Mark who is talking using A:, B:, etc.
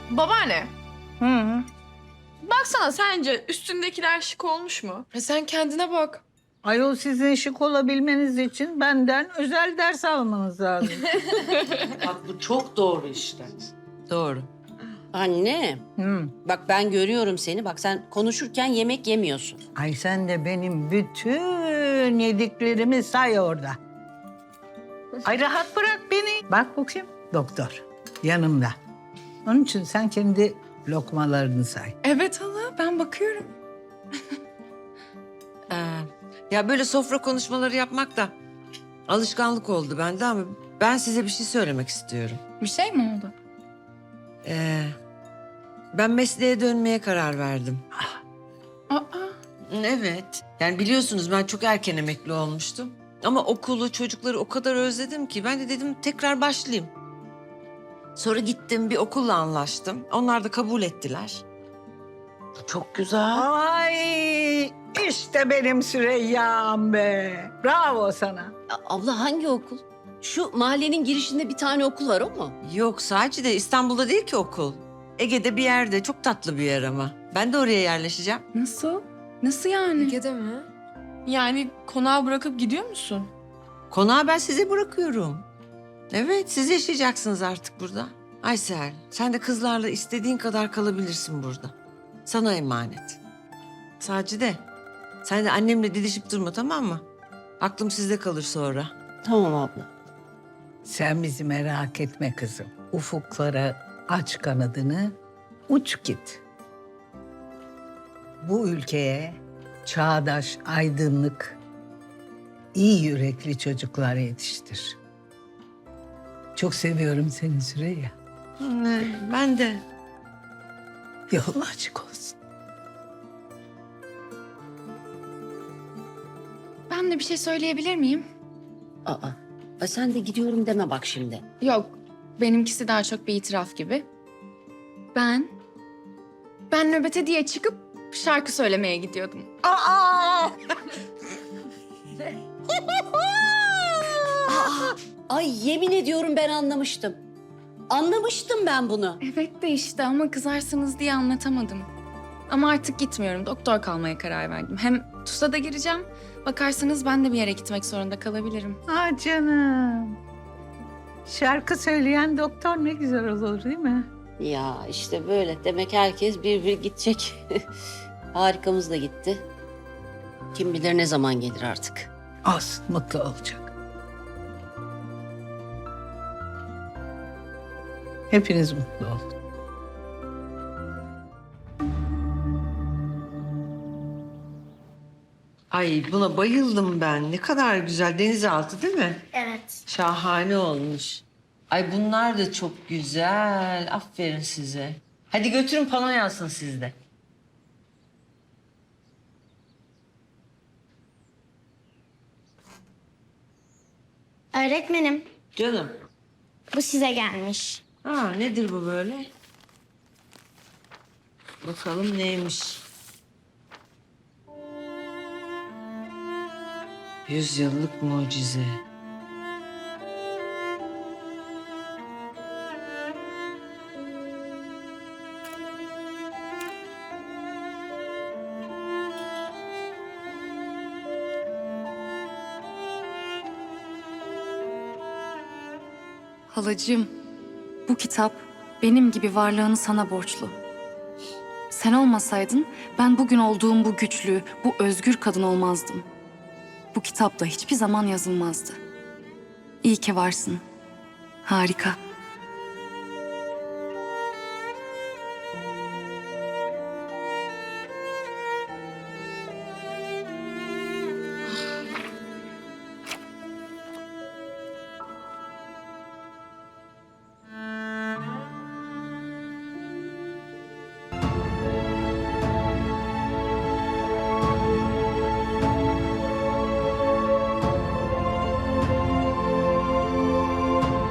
A: Babaanne,
B: Hı.
A: baksana sence üstündekiler şık olmuş mu?
C: Sen kendine bak.
B: Ayol sizin şık olabilmeniz için benden özel ders almanız lazım.
D: Bak bu çok doğru işte. Doğru.
E: Anne,
B: Hı.
E: bak ben görüyorum seni. Bak sen konuşurken yemek yemiyorsun.
B: Ay sen de benim bütün yediklerimi say orada. Ay rahat bırak beni. Bak bakayım doktor yanımda. Onun için sen kendi lokmalarını say.
C: Evet hala, ben bakıyorum.
D: Ya böyle sofra konuşmaları yapmak da alışkanlık oldu bende ama ben size bir şey söylemek istiyorum.
C: Bir şey mi oldu?
D: Ben mesleğe dönmeye karar verdim.
C: Aa,
D: Evet. Yani biliyorsunuz ben çok erken emekli olmuştum. Ama okulu, çocukları o kadar özledim ki ben de dedim tekrar başlayayım. Sonra gittim bir okulla anlaştım. Onlar da kabul ettiler.
E: Çok güzel.
B: Ay işte benim Süreyya'm be. Bravo sana.
E: Abla hangi okul? Şu mahallenin girişinde bir tane okul var, o mu?
D: Yok sadece de İstanbul'da değil ki okul. Ege'de bir yerde çok tatlı bir yer ama. Ben de oraya yerleşeceğim.
C: nasıl? Nasıl yani?
A: Ege'de mi? Yani konağı bırakıp gidiyor musun?
D: Konağı ben size bırakıyorum. Evet siz yaşayacaksınız artık burada. Aysel sen de kızlarla istediğin kadar kalabilirsin burada. Sana emanet. Sacide sen de annemle didişip durma tamam mı? Aklım sizde kalır sonra.
E: Tamam abla.
B: Sen bizi merak etme kızım. Ufuklara aç kanadını, uç git. Bu ülkeye çağdaş, aydınlık, iyi yürekli çocuklar yetiştir. Çok seviyorum seni Süreyya.
D: Ben de.
B: Yolun açık olsun.
C: Ben de bir şey söyleyebilir miyim?
E: Aa, sen de gidiyorum deme bak şimdi.
C: Yok, benimkisi daha çok bir itiraf gibi. Ben nöbete diye çıkıp şarkı söylemeye gidiyordum.
B: Aa!
E: Ay yemin ediyorum ben anlamıştım. Anlamıştım ben bunu.
C: Evet de işte ama kızarsınız diye anlatamadım. Ama artık gitmiyorum. Doktor kalmaya karar verdim. Hem TUS'a da gireceğim. Bakarsanız ben de bir yere gitmek zorunda kalabilirim.
B: Ah canım. Şarkı söyleyen doktor ne güzel olur değil mi?
E: Ya işte böyle. Demek herkes bir gidecek. Harikamız da gitti. Kim bilir ne zaman gelir artık.
B: Olsun, mutlu olacak. Hepiniz mutlu olun.
D: Ay buna bayıldım ben. Ne kadar güzel denizaltı değil mi?
F: Evet.
D: Şahane olmuş. Ay bunlar da çok güzel. Aferin size. Hadi götürün pano yansın sizde.
F: Öğretmenim,
D: Canım.
F: bu size gelmiş.
D: Ha nedir bu böyle? Bakalım neymiş? 100 yıllık mucize.
C: Halacığım, bu kitap benim gibi varlığını sana borçlu. Sen olmasaydın ben bugün olduğum bu güçlü, bu özgür kadın olmazdım. Bu kitapta hiçbir zaman yazılmazdı. İyi ki varsın. Harika.